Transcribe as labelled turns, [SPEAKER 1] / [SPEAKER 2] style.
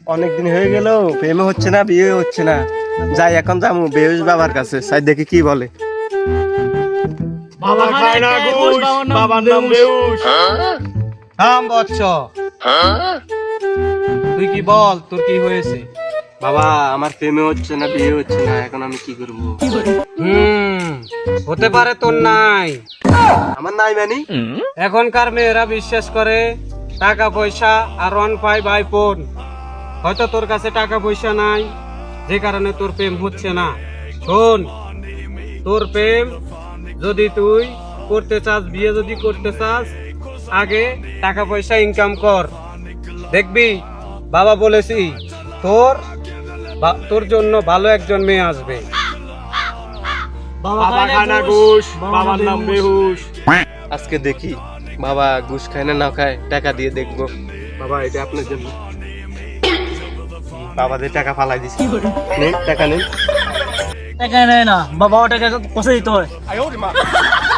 [SPEAKER 1] অনেকদিন হয়ে গেল, প্রেমে হচ্ছে না, বিয়ে হচ্ছে না। যাই এখন যাবো বেহুশ বাবার কাছে, সাই দেখি কি বলে।
[SPEAKER 2] বাবা খায় না ঘুষ, বাবার নাম বেহুশ।
[SPEAKER 3] থাম বৎস, তুই কি বল, তোর কি হয়েছে?
[SPEAKER 1] বাবা আমার প্রেমে হচ্ছে না, বিয়ে হচ্ছে না, এখন আমি কি করব?
[SPEAKER 3] হতে পারে তোর নাই।
[SPEAKER 1] আমার নাই মানে?
[SPEAKER 3] এখনকার মেয়েরা বিশ্বাস করে টাকা পয়সা আর ওয়ান পাই বাই ফোন। হয়তো তোর কাছে টাকা পয়সা নাই, যে কারণে তোর প্রেম হচ্ছে না। শোন, তোর প্রেম যদি তুই করতে চাস, বিয়ে যদি করতে চাস, আগে টাকা পয়সা ইনকাম কর। দেখবি বাবা বলেছি, তোর জন্য ভালো একজন মেয়ে আসবে।
[SPEAKER 2] বাবা খায় না ঘুষ, বাবার নাম বেহুশ।
[SPEAKER 1] আজকে দেখি বাবা ঘুষ খায় না না খায়, টাকা দিয়ে দেখবো। বাবা এটা আপনার জন্য। বাবাদের টাকা ফালাই দিছি, নেন টাকা নেন।
[SPEAKER 2] টাকা নেয় না বাবা, টাকা কষে দিতে হয়।